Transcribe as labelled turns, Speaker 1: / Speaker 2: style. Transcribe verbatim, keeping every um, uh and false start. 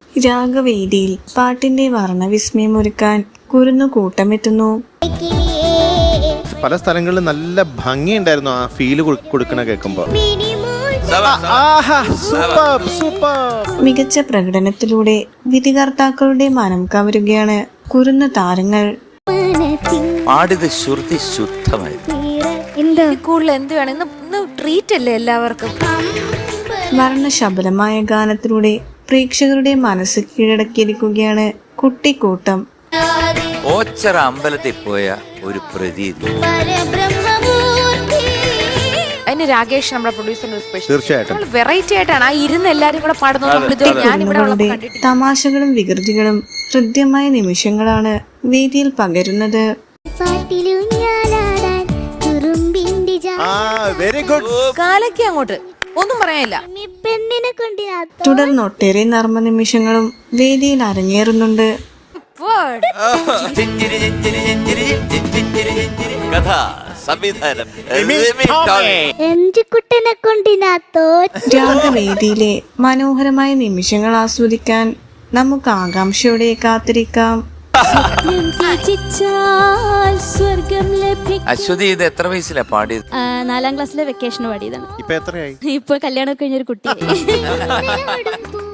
Speaker 1: രാഗവേദിയിൽ പാട്ടിന്റെ വർണ്ണവിസ്മയമൊരുക്കാൻ കുരുന്നു കൂട്ടമെത്തുന്നു.
Speaker 2: പല സ്ഥലങ്ങളിലും നല്ല ഭംഗിയുണ്ടായിരുന്നു ആ ഫീല് കൊടുക്കണ കേൾക്കുമ്പോ.
Speaker 1: മികച്ച പ്രകടനത്തിലൂടെ വിധികർത്താക്കളുടെ മനം കവരുകയാണ് കുരുന്നു താരങ്ങൾ. വർണ്ണശബലമായ ഗാനത്തിലൂടെ പ്രേക്ഷകരുടെ മനസ്സ് കീഴടക്കിയിരിക്കുകയാണ് കുട്ടിക്കൂട്ടം.
Speaker 3: ഓച്ചറ അമ്പലത്തിൽ പോയ ഒരു പ്രതീതി.
Speaker 4: അതിന് രാകേഷ് നമ്മുടെ പ്രൊഡ്യൂസർ
Speaker 2: തീർച്ചയായിട്ടും
Speaker 4: വെറൈറ്റി ആയിട്ടാണ് ആ ഇരുന്ന് എല്ലാരും കൂടെ പാടുന്നത്.
Speaker 1: തമാശകളും വികൃതികളും ഹൃദ്യമായ നിമിഷങ്ങളാണ് വേദിയിൽ പകരുന്നത്.
Speaker 4: കാലയ്ക്ക് അങ്ങോട്ട് ഒന്നും പറയാനില്ല.
Speaker 1: തുടർന്ന് ഒട്ടേറെ നർമ്മ നിമിഷങ്ങളും വേദിയിൽ അരങ്ങേറുന്നുണ്ട്. രാഗവേദിയിലെ മനോഹരമായ നിമിഷങ്ങൾ ആസ്വദിക്കാൻ നമുക്ക് ആകാംക്ഷയോടെ കാത്തിരിക്കാം.
Speaker 3: അശ്വതി, ഇത് എത്ര വയസ്സിലാ പാടിയത്?
Speaker 5: നാലാം ക്ലാസ്സിലെ വെക്കേഷന് പാടിയതാണ്.
Speaker 2: ഇപ്പൊ എത്രയായി?
Speaker 5: ഇപ്പൊ കല്യാണം കഴിഞ്ഞൊരു കുട്ടിയായി.